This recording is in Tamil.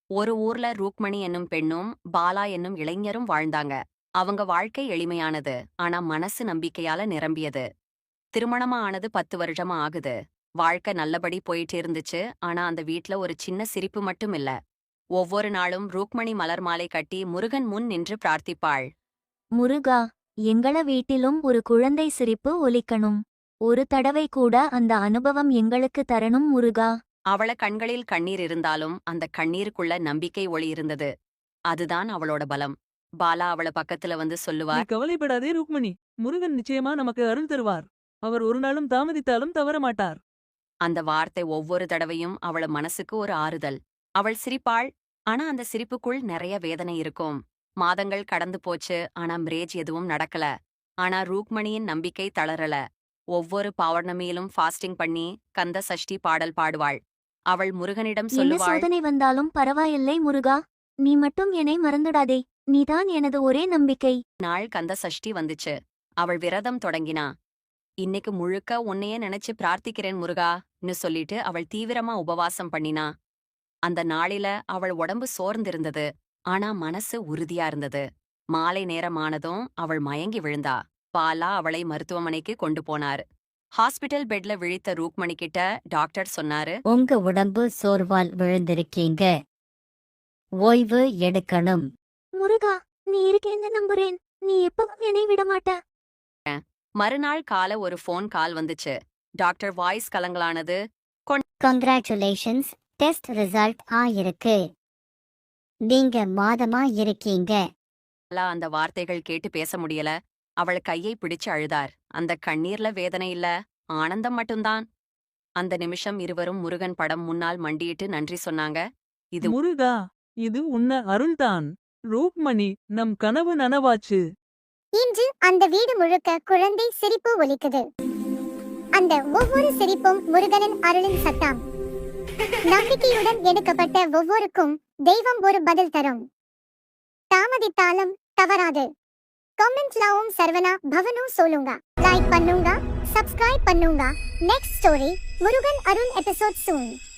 ஒரு ஊர்ல ரூக்மணி என்னும் பெண்ணும் பாலா என்னும் இளைஞரும் வாழ்ந்தாங்க. அவங்க வாழ்க்கை எளிமையானது, ஆனா மனசு நம்பிக்கையால நிரம்பியது. திருமணமா ஆனது 10 வருஷமா ஆகுது. வாழ்க்கை நல்லபடி போயிட்டு இருந்துச்சு. ஆனா அந்த வீட்ல ஒரு சின்ன சிரிப்பு மட்டும் இல்ல. ஒவ்வொரு நாளும் ரூக்மணி மலர் மாலை கட்டி முருகன் முன் நின்று பிரார்த்திப்பாள். முருகா, எங்கள வீட்டிலும் ஒரு குழந்தை சிரிப்பு ஒலிக்கணும். ஒரு தடவை கூட அந்த அனுபவம் எங்களுக்கு தரணும் முருகா. அவள கண்களில் கண்ணீர் இருந்தாலும் அந்த கண்ணீருக்குள்ள நம்பிக்கை ஒளி இருந்தது. அதுதான் அவளோட பலம். பாலா அவள பக்கத்துல வந்து நீ சொல்லுவார். கவலைப்படாதே ருக்மணி. முருகன் நிச்சயமா நமக்கு அருள் தருவார். அவர் ஒரு நாளும் தாமதித்தாலும் தவற மாட்டார். அந்த வார்த்தை ஒவ்வொரு தடவையும் அவள மனசுக்கு ஒரு ஆறுதல். அவள் சிரிப்பாள். ஆனா அந்த சிரிப்புக்குள் நிறைய வேதனை இருக்கும். மாதங்கள் கடந்து போச்சு. ஆனா மிரேஜ் எதுவும் நடக்கல. ஆனா ரூக்மணியின் நம்பிக்கை தளரல. ஒவ்வொரு பௌர்ணமியிலும் ஃபாஸ்டிங் பண்ணி கந்த சஷ்டி பாடல் பாடுவாள். அவள் முருகனிடம் என்ன சொல்லுவாள். சோதனை வந்தாலும் பரவாயில்லை முருகா. நீ மட்டும் என்னை மறந்துடாதே. நீதான் எனது ஒரே நம்பிக்கை. நாள் கந்த சஷ்டி வந்துச்சு. அவள் விரதம் தொடங்கினா. இன்னைக்கு முழுக்க உன்னையே நினைச்சு பிரார்த்திக்கிறேன் முருகான்னு சொல்லிட்டு அவள் தீவிரமா உபவாசம் பண்ணினா. அந்த நாளில அவள் உடம்பு சோர்ந்திருந்தது. ஆனா மனசு உறுதியா இருந்தது. மாலை நேரமானதும் அவள் மயங்கி விழுந்தா. பாலா அவளை மருத்துவமனைக்கு கொண்டு போனார். ஹாஸ்பிடல் பெட்ல விழித்த ரூக்மணி கிட்ட டாக்டர் சொன்னாரு. உங்க உடம்பு சோர்வால் விழுந்திருக்கீங்க. ஓய்வு எடுக்கணும். முருகா, நீ இருக்கேன்னு நம்புறேன். நீ எப்பவும் என்னை விடமாட்ட. மறுநாள் கால ஒரு ஃபோன் கால் வந்துச்சு. டாக்டர் வாய்ஸ் கலங்கலானது. கங்க்ராச்சுலேஷன்ஸ், டெஸ்ட் ரிசல்ட் ஆயிருக்கு. நீங்க மாதமா இருக்கீங்க. பாலா அந்த வார்த்தைகள் கேட்டு பேச முடியல. அவள் கையை பிடிச்சு அழுதார். அந்த கண்ணீர்ல வேதனை இல்ல, ஆனந்தம் மட்டும்தான். அந்த நிமிஷம் இருவரும் முருகன் படம் முன்னால் மண்டியிட்டு நன்றி சொன்னாங்க. இது முருகா, இது உன்ன அருள்தான். ரூக்மணி, நம் கனவு நனவாச்சு. இன்று அந்த வீடு முழுக்க குழந்தை சிரிப்பு ஒலிக்குது. அந்த ஒவ்வொரு சிரிப்பும் முருகனின் அருளின் சத்தம். நம்பிக்கையுடன் எடுக்கப்பட்ட ஒவ்வொருக்கும் தெய்வம் ஒரு பதில் தரும். தாமதித்தாலும் தவறாது. கமெண்ட்லாவும் சர்வனா பவனும் சொல்லுங்க. லைக் பண்ணுங்க, சப்ஸ்கிரைப் பண்ணுங்க. நெக்ஸ்ட் ஸ்டோரி முருகன் அருள் எபிசோட் சூன்.